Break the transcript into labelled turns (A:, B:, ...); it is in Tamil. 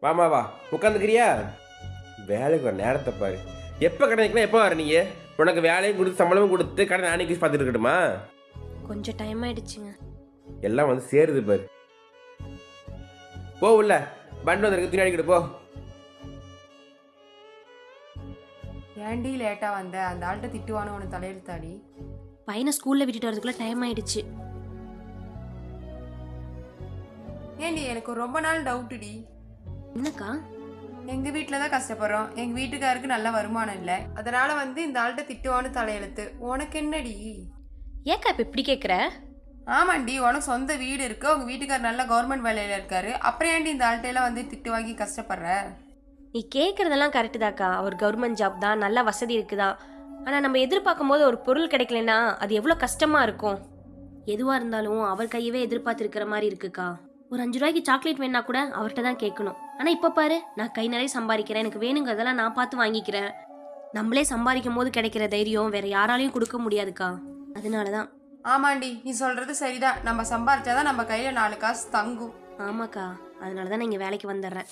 A: வாமா வா உட்காந்துக்கிறியா? வேலைக்கு ஒரு நேரத்தை பாரு. எப்போ கடை நிற்கலாம், எப்போ வர நீ? உனக்கு வேலையும் கொடுத்து சம்பளமும் கொடுத்து கடை நானே பார்த்துட்டு இருக்கட்டுமா?
B: கொஞ்சம் டைம் ஆயிடுச்சுங்க.
A: எல்லாம் வந்து சேருது பாரு. போ உள்ள பண்டு வந்திருக்கு, துணி அடிக்கிட்டு போ.
C: ஏன்டி லேட்டா வந்த? அந்த ஆள்கிட்ட திட்டுவானு உனக்கு தலையெழுத்தாடி.
B: பையனை ஸ்கூல்ல விட்டுட்டு வரதுக்குள்ள டைம் ஆயிடுச்சு.
C: ஏன்டி எனக்கு ரொம்ப நாள் டவுட்டுடி.
B: என்னக்கா?
C: எங்க வீட்டில் தான் கஷ்டப்படுறோம், எங்க வீட்டுக்காருக்கு நல்ல வருமானம் இல்லை, அதனால வந்து இந்த ஆள்கிட்ட திட்டுவானு தலையெழுத்து. உனக்கு என்னடி?
B: ஏக்கா இப்ப இப்படி கேக்குற?
C: ஆமாண்டி, உனக்கு சொந்த வீடு இருக்கு, உங்க வீட்டுக்கார் நல்ல கவர்மெண்ட் வேலையில இருக்காரு, அப்புறம் ஏன்டி இந்த ஆள்கிட்ட எல்லாம் வந்து திட்டு வாங்கி கஷ்டப்படுற?
B: நீ கேட்குறதெல்லாம் கரெக்டு தாக்கா. அவர் கவர்மெண்ட் ஜாப் தான், நல்ல வசதி இருக்குதான். ஆனால் நம்ம எதிர்பார்க்கும் போது ஒரு பொருள் கிடைக்கலன்னா அது எவ்வளோ கஷ்டமா இருக்கும். எதுவாக இருந்தாலும் அவர் கையவே எதிர்பார்த்துருக்கிற மாதிரி இருக்குக்கா. ஒரு 5 ரூபாய்க்கு சாக்லேட் வேணா கூட அவர்கிட்ட தான் கேட்கணும். ஆனால் இப்போ பாரு, நான் கை நிறைய சம்பாதிக்கிறேன், எனக்கு வேணுங்கிறதெல்லாம் நான் பார்த்து வாங்கிக்கிறேன். நம்மளே சம்பாதிக்கும் போது கிடைக்கிற தைரியம் வேற யாராலையும் கொடுக்க முடியாதுக்கா. அதனால தான்.
C: ஆமாண்டி, நீ சொல்றது சரிதான், நம்ம சம்பாரிச்சாதான் நம்ம கையில 4 காசு தங்கும்.
B: ஆமாக்கா, அதனால தான் நான் இங்கே வேலைக்கு வந்துடுறேன்.